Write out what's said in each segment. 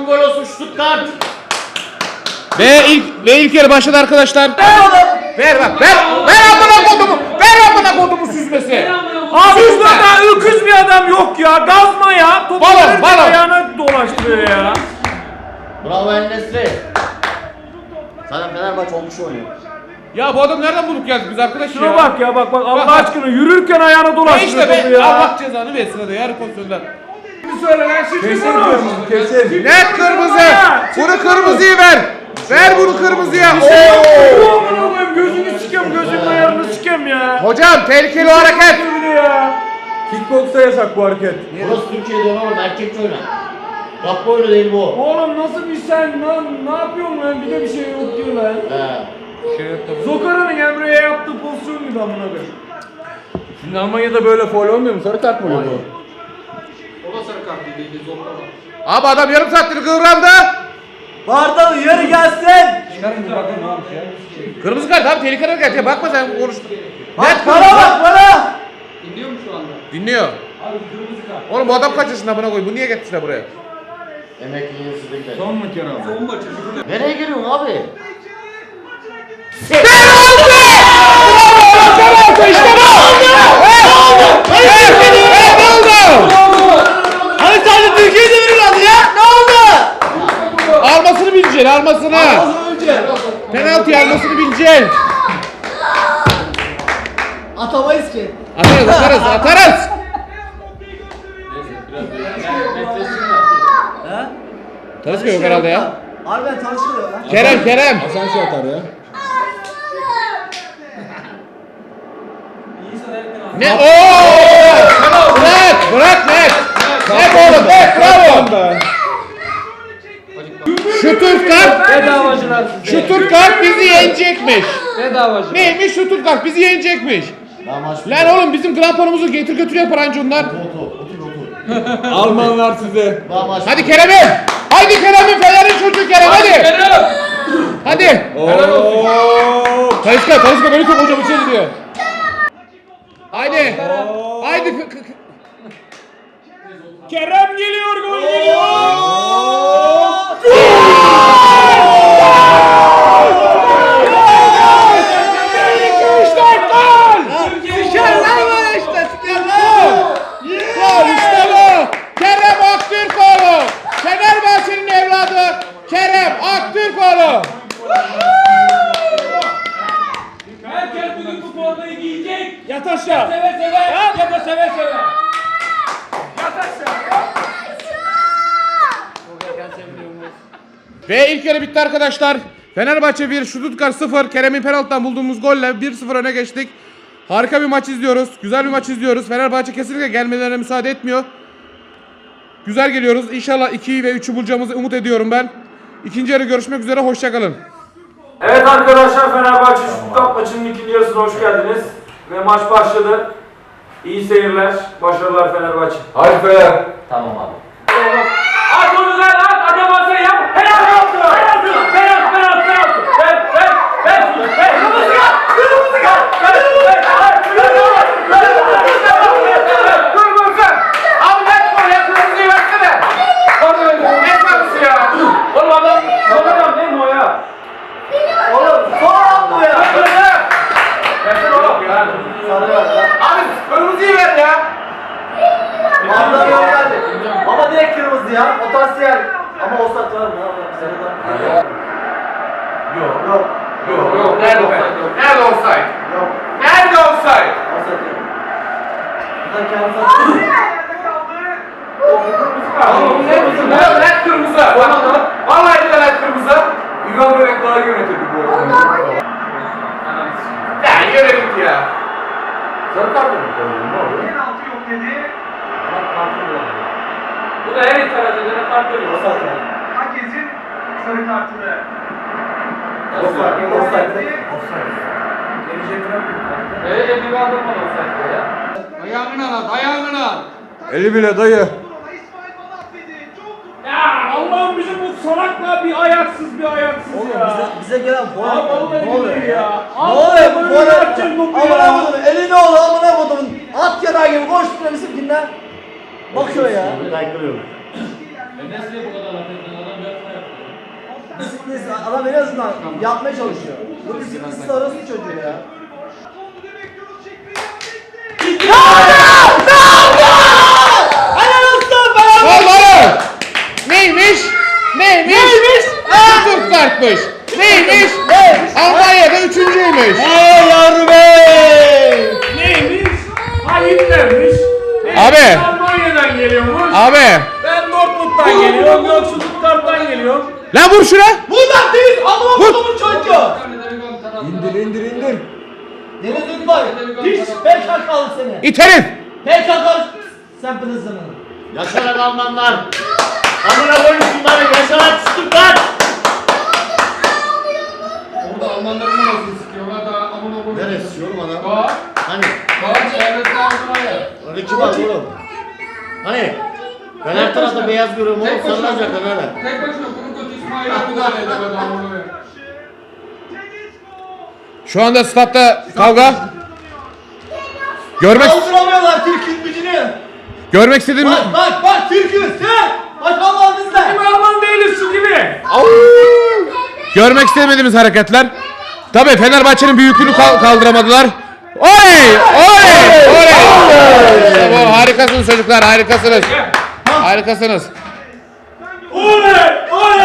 son gol olsun Stuttgart. Ve ilk yarı başladı arkadaşlar. Ver bak. Ver amına kodumu. Ver amına kodumu süzmesi. Abi burada öküz bir adam yok ya. Gazma ya. Topu Balon. ayağına dolaştırıyor ya. Bravo El-Nesri. Zaten Fenerbahçe olmuş oynuyor. Ya bu adam nereden bulduk geldik biz arkadaş ya? Şuna bak ya bak Allah aşkına yürürken ayağına dolaştırıyor İşte topu be. ya. Allah cezanı versin hadi yarı pozisyonda. Kesin. Net kırmızı. Bunu kırmızıyı ver. Ver bunu kırmızıya. Gözünü sikeyim, gözümün ayarını sikeyim ya. Hocam tehlikeli o hareket. Ya. Kickboksta yasak bu hareket. Burası Türkiye'de oğlum erkekçe oyna. Kapı oyunu değil bu. Oğlum nasıl bir sen lan ne yapıyorsun lan bir de bir şey yok diyor lan. Zokara'nın Emre'ye yaptığı pozisyon gibi amına koyayım. Şimdi Almanya'da böyle faul olmuyor mu? Sarı kart mı oluyor bu? O da sarı kart değil, zorlama. Abi adam yarım saattir kıvrandı. Bardağı uyarı gelsin. Kırmızı kart abi tehlikeli hareket ya bakma sen konuş. Bak bana bana. Dinliyor mu şu anda? Dinliyor. Oğlum bu adam kaç yaşında buna koy? Bu niye getirdiler buraya? Emekliliğin sizlikleri. Son mu Kerem? Son maçı. Nereye giriyorsun abi? Hani sadece Türkiye'de veriyorlardı ya. Ne oldu? Almasını bileceksin almasını. Penaltı almasını bileceksin. Atamayız ki. Atarız. He? Tanışma yok herhalde ya. Harbiden tanışmıyor lan. Kerem. Asansör atar ya. Ne? Ooo! Bırak net. Net oğlum net bravo. Bedavacılar. Stuttgart bizi yenecekmiş. Bedavacılar. Neymiş Stuttgart bizi yenecekmiş. Daha maç Lan oğlum bizim gramponumuzu getir götür yapar anca onlar. Otur. Almanlar size. Daha maç. Hadi Kerem'im. Haydi Kerem'im Fener'in çocuğu Kerem hadi. Hadi. Ooo. Talisca beni çok hocam içeri diyor. Haydi. Kerem geliyor gol geliyor. Kerem Aktürkoğlu. Fenerbahçe'nin evladı Kerem Aktürkoğlu. Herkes bugün bu formayı giyecek. Yat aşağı. Seve seve. Ya da seve seve. Yat aşağı. Ve ilk yarı bitti arkadaşlar. Fenerbahçe 1, Stuttgart 0. Kerem'in penaltıdan bulduğumuz golle 1-0 öne geçtik. Harika bir maç izliyoruz. Güzel bir maç izliyoruz. Fenerbahçe kesinlikle gelmelerine müsaade etmiyor. Güzel geliyoruz. İnşallah 2'yi ve 3'ü bulacağımızı umut ediyorum ben. İkinci yarı görüşmek üzere. Hoşçakalın. Evet arkadaşlar Fenerbahçe Stuttgart maçının ikinci yarısına hoş geldiniz. Ve maç başladı. İyi seyirler. Başarılar Fenerbahçe. Hadi Fener. Tamam abi. At onu lan at. Adam olsa yap. Penaltı. Abi net gol ya. Kırmızıyı versene. Net kırmızı ya. Oğlum adam değil mi o ya? Oğlum son bu ya. Versene oğlum ya. Abi kırmızıyı ver ya. Bardağı yok geldi. Ama direkt kırmızı ya. Potansiyel. Ama olsak var mı? Sarıdan. Yok. Yok. Nerede offside? Nerede offside? Yok. Nerede offside? Olsak yok. Buradan kendisi Oğlum net kırmızı. Vallahi de net kırmızı. Yugan Börek daha yönetirdi bu arada. Ya yürü git ya. Sarı kart mı? Ne oluyor? Bu da her itiraz edene kart veriyor. Herkesin sarı kartını. Offside. Evet bir kaldırmadı olsaydı ya. Ayağını al. Eli bile dayı. İsmail bana affedi. Çok Ya Allah'ım bizim bu salakla bir ayaksız Oğlum ya. bize gelen Abi puan. vallahi Ne oluyor billahi ya? ya. Ne oluyor bu Böyle puan? yapacağız topu Amına ya. koydum. Eli ne oldu amına koydum. At yarağı gibi koşturuyor bizimkinden. Bakıyor ya. Kaykırıyorum. Nesli'ye bu kadar laf eden adam Disiplinsiz. Adam en azından yapmaya çalışıyor. Bu disiplinsiz arası çocuğu ya. Vallahi. Neymiş? Stuttgart'mış. Neymiş? Almanya'da üçüncüymüş. Hey yavrum hey! Neymiş? Hayırlarmış. Abi. Almanya'dan geliyormuş. Abi. Ben Dortmund'dan geliyorum. Yok Stuttgart'tan geliyorum. Lan vur şuna. Bunlar değil! Amına kodumun çocuğu! İndir. Deniz Ünbay! Hiç PKK'lı seni! İt herif. PKK sen pınızını. Yaşarak Almanlar. Amına koyun şunları. Yaşarak Stuttgart. Orada Almanların nasıl sıkıyorlar da amına koyuyor. Neresi yorum adam? Bak. Hani? Bak çevresi ağzına ya. Orada kim var oğlum? Hani? Ben her tarafta beyaz görüyorum oğlum. Sarılacaklar öyle. Tek başına bunun kötü İsmail abi da edemedi amına koyuyor. Şu anda statta kavga. Kaldıramıyorlar Türk'ün gücünü! Görmek istediğim... Bak Türk'üz! Sen! Bak Allah'ın bizde! Alman değiliz şu gibi. Görmek istemediğimiz hareketler. Tabii Fenerbahçe'nin büyüklüğünü kaldıramadılar. Oley! İşte bu, harikasınız çocuklar, harikasınız. Harikasınız. Oley!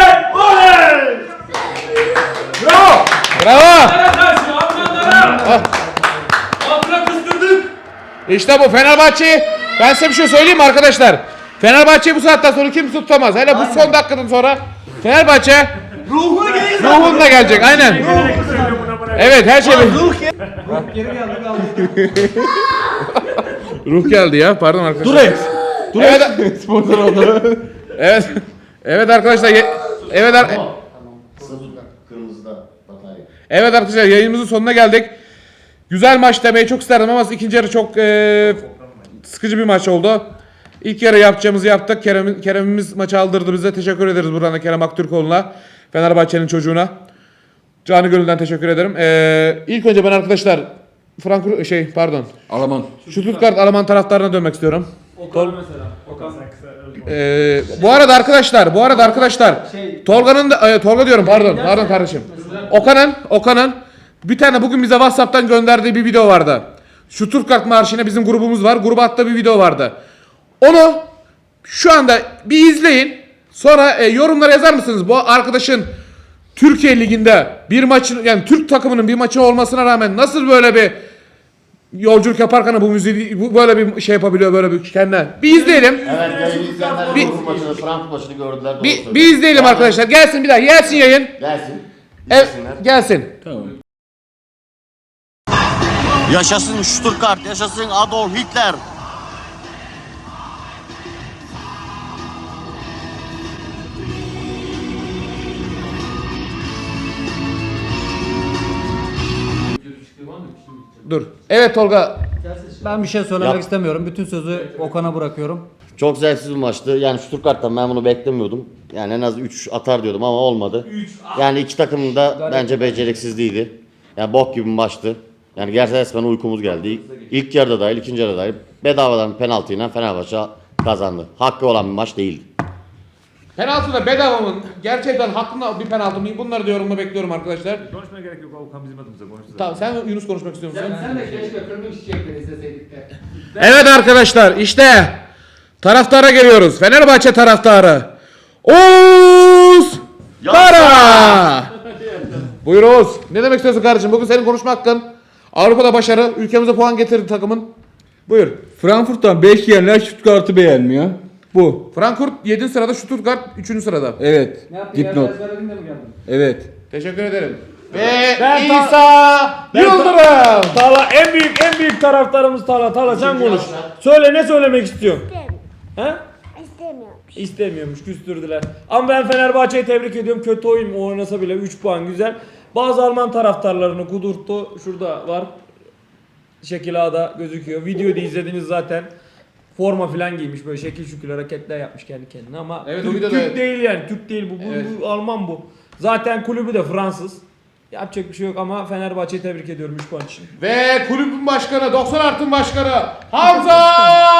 Bravo! Bravo! Karşı Almanlara. Abla kızdırdık. İşte bu Fenerbahçe'yi, ben size bir şey söyleyeyim mi arkadaşlar? Fenerbahçe'yi bu saatten sonra kimse tutamaz. Hele bu son dakikadan sonra Fenerbahçe ruhunla gelecek, aynen. Evet, her şey... Ruh geldi ya, pardon arkadaşlar. Dur et. Sponsor oldu. Evet. Evet arkadaşlar. Kırmızıda Hatay. Evet arkadaşlar, yayınımızın sonuna geldik. Güzel maç demeyi çok isterdim ama ikinci yarı çok sıkıcı bir maç oldu. İlk yarı yapacağımızı yaptık. Kerem'imiz maçı aldırdı bize. Teşekkür ederiz buradan da Kerem Aktürkoğlu'na. Fenerbahçe'nin çocuğuna. Canı gönülden teşekkür ederim. İlk önce ben arkadaşlar Alman. Stuttgart Alman taraftarına dönmek istiyorum. Okan mesela. Okan. Bu arada arkadaşlar Tolga'nın da Tolga diyorum pardon kardeşim. Okan'ın bir tane bugün bize WhatsApp'tan gönderdiği bir video vardı. Stuttgart marşına bizim grubumuz var. Gruba attığı bir video vardı. Onu şu anda bir izleyin. Sonra yorumlara yazar mısınız? Bu arkadaşın Türkiye Ligi'nde bir maçın, yani Türk takımının bir maçı olmasına rağmen nasıl böyle bir yolculuk yaparken bu müziği böyle bir şey yapabiliyor, böyle bir kendine. Bir izleyelim. Evet, yayın izleyenler Liverpool maçını, Frankfurt maçını gördüler. Doğru söylüyor. Bir izleyelim arkadaşlar. Gelsin bir daha. Gelsin yayın. Gelsin. Evet, gelsin. Yaşasın Stuttgart, yaşasın Adolf Hitler. Dur. Evet Tolga. Ben bir şey söylemek Yap. istemiyorum. Bütün sözü Okan'a bırakıyorum. Çok zevksiz bir maçtı. Yani Stuttgart'tan ben bunu beklemiyordum. Yani en az 3 atar diyordum ama olmadı. Yani iki takım da bence beceriksizliğiydi. Yani bok gibi bir maçtı. Yani gerçekten resmen uykumuz geldi. İlk yarıda dahil, ikinci yarıda dahil bedavadan bir penaltıyla Fenerbahçe kazandı. Hakkı olan bir maç değildi. Penaltı da bedava mı? Gerçekten hakkında bir penaltı mı? Bunları da yorumla bekliyorum arkadaşlar. Konuşmaya gerek yok. Okan bizim adımıza konuştu. Tamam, sen Yunus konuşmak istiyor musun? Sen de keşke kırmızı çiçekleri izleseydik de. Evet arkadaşlar, işte taraftara geliyoruz. Fenerbahçe taraftarı. Oğuz Kara. Buyur Oğuz. Ne demek istiyorsun kardeşim? Bugün senin konuşma hakkın. Avrupa'da başarı, ülkemize puan getirdi takımın. Buyur. Frankfurt'tan 5 yiyenler Stuttgart'ı beğenmiyor. Bu. Frankfurt 7. sırada, Stuttgart 3. sırada. Evet. Ne yaptın? Dipnot. Yerler de mi geldin? Evet. Teşekkür ederim. Ve Ben İsa Yıldırım. Tala en büyük taraftarımız Tala. Tala sen konuş. Söyle, ne söylemek istiyorsun? He? İstemiyormuş. İstemiyormuş, küstürdüler. Ama ben Fenerbahçe'yi tebrik ediyorum. Kötü oyun oynasa bile 3 puan güzel. Bazı Alman taraftarlarını kudurttu. Şurada var. Şekil A'da gözüküyor. Videoda izlediniz zaten. Forma falan giymiş, böyle şekil şükür hareketler yapmış kendi kendine ama Evet, o Türk, videoda Türk evet. değil yani. Türk değil bu. Evet. Bu Alman bu. Zaten kulübü de Fransız. Yapacak bir şey yok ama Fenerbahçe'yi tebrik ediyorum 3 puan için. Ve kulübün başkanı, 90 artın başkanı Hamza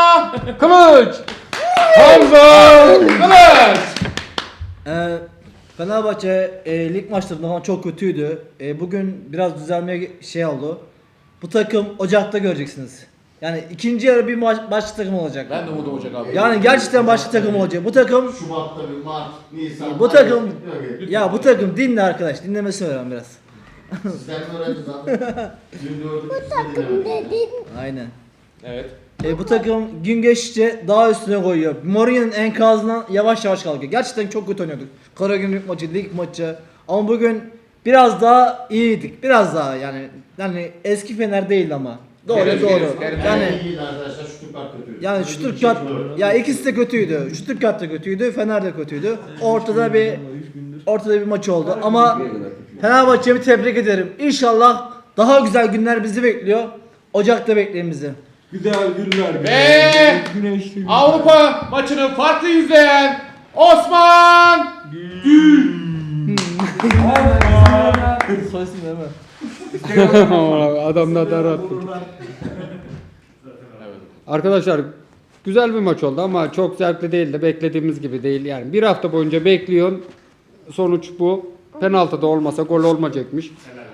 Kılıç. Hamza Kılıç. Fenerbahçe lig maçlarında falan çok kötüydü. Bugün biraz düzelmeye şey oldu. Bu takım Ocak'ta göreceksiniz. Yani ikinci yarı bir başka takım olacak. Ben de umut olacak abi. Yani gerçekten başka takım olacak. Bu takım Şubat'ta bir Mart, Nisan. bu takım ya bu takım dinle arkadaş. Dinlemesini öğren biraz. Sizden öğreneceğiz abi. Dün gördük. Bu takım Aynen. Evet. Bu takım gün geçtikçe daha üstüne koyuyor. Mourinho'nun enkazından yavaş yavaş kalkıyor. Gerçekten çok kötü oynuyorduk. Karagümrük maçı, lig maçı. Ama bugün biraz daha iyiydik. Biraz daha yani eski Fener değil ama. Doğru Geriz, doğru. geriz. Yani İyiydi arkadaşlar. Stuttgart kötüydü. yani Stuttgart ya ikisi de kötüydü. Stuttgart da kötüydü, Fener de kötüydü. Ortada bir maç oldu ama Fenerbahçe'yi tebrik ederim. İnşallah daha güzel günler bizi bekliyor. Ocak'ta bekleyin bizi. Ve Avrupa maçını farklı izleyen Osman Adamlar da rahat. Arkadaşlar güzel bir maç oldu ama çok zevkli değildi. Beklediğimiz gibi değil yani. Bir hafta boyunca bekliyorsun. Sonuç bu. Penaltı da olmasa gol olmayacakmış.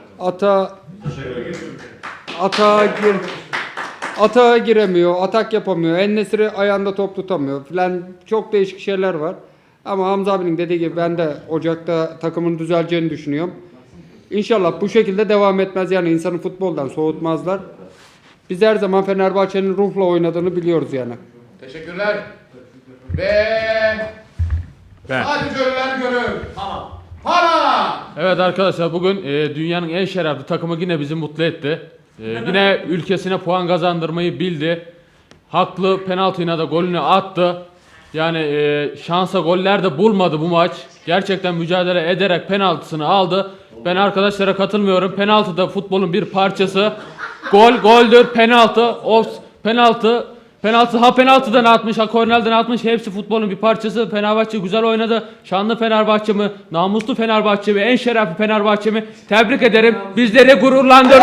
Atağa giremiyor, atak yapamıyor. En-Nesyri ayağında top tutamıyor filan. Çok değişik şeyler var. Ama Hamza abinin dediği gibi ben de Ocak'ta takımın düzeleceğini düşünüyorum. İnşallah bu şekilde devam etmez yani insanı futboldan soğutmazlar. Biz her zaman Fenerbahçe'nin ruhla oynadığını biliyoruz yani. teşekkürler. Ve sadece ölüler görür. Para. Evet arkadaşlar bugün dünyanın en şerefli takımı yine bizi mutlu etti. Yine ülkesine puan kazandırmayı bildi. Haklı penaltıyla da golünü attı. Yani şansa goller de bulmadı bu maç. Gerçekten mücadele ederek penaltısını aldı. Ben arkadaşlara katılmıyorum. Penaltı da futbolun bir parçası. Gol goldür, penaltı, penaltı. Penaltıdan atmış, ha kornerden atmış. Hepsi futbolun bir parçası. Fenerbahçe güzel oynadı. Şanlı Fenerbahçe mi, namuslu Fenerbahçe mi, en şerefli Fenerbahçe mi? Tebrik ederim. Bizleri gururlandırdı.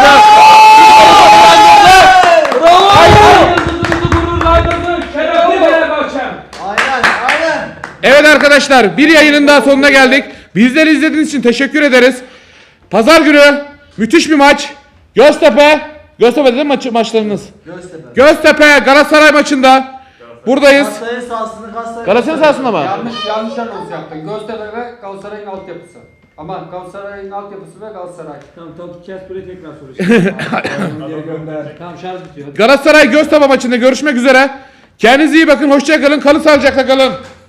Evet arkadaşlar bir yayının daha sonuna geldik. Bizleri izlediğiniz için teşekkür ederiz. Pazar günü müthiş bir maç. Göztepe'de maçlarınız. Göztepe Galatasaray maçında buradayız. Galatasaray sahasını Galatasaray sahasında mı? Yanlış anons yaptın. Göztepe ve Galatasaray'ın altyapısı. Aman Galatasaray'ın altyapısı ve Galatasaray. Tamam tutacağız böyle tekrar soracağım. Geri gönder. Tamam şarj bitiyor. Galatasaray Göztepe maçında görüşmek üzere. Kendinize iyi bakın. Hoşça kalın. Kalın sağlıcakla kalın.